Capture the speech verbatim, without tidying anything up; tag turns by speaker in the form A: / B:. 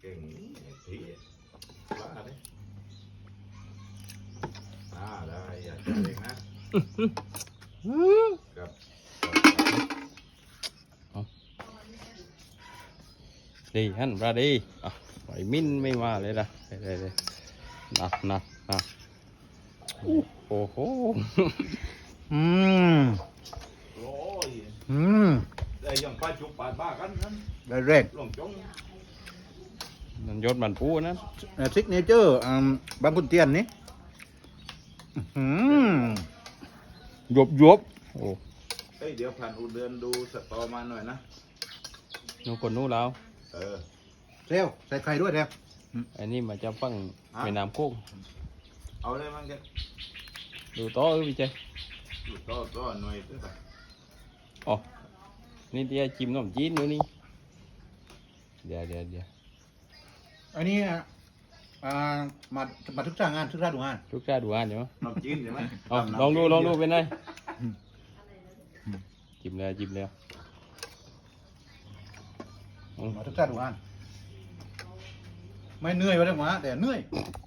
A: ก่งผีว่าเลยอ่าได้อย่าจับเองนะกับ
B: ดีฮันราดีอ่ะไหวมิ้นไม่มาเลยนะเลยเลยเลยนะนะนะโอ้โห
C: อืม
A: โอ้ย
C: อืม
A: ได้ยังปลาจุกปลาบ้ากันนั้น
C: ได้แรก
A: หลงจง
B: มันยศมันปูนะ
C: ซิกเนเจอร์อ่าบางคุณเตียนนี่อืม
B: หยบหยบโอ้
A: เอ้ยเดี๋ยวผ่านอุเดือนดูสตอมาหน่อยนะ
B: นูคนนู้นแล้ว
A: เออ
C: เร็วใส่ไข่ด้วยเร็ว
B: อันนี้มาจะฟังแม่น้ำโค้ง
A: เอาเลยมั้งแก
B: ดูโต๊ะเออพี่เจ
A: ดูต่อต่อหน่อยด้วยกัน
B: อ๋อนี่เดียวจิ้มน้ำจีนอยู่นี่เดี๋ยวเดี๋ยวเดี๋ยว
C: อันนี้อ่ะอ่ามามาทุกจ้างงานทุกราดูงาน
B: ทุกท่าดูอ่านใช่ไหม
A: น้ำจีนใช่ไหม
B: เอาลองดูลองดูเป็นไงจิ้มแล้วจิ้มแล้วอืม
C: มาทุกจ้าดูงานไม่เหนื่อยวะเด็กหมาแต่เหนื่อย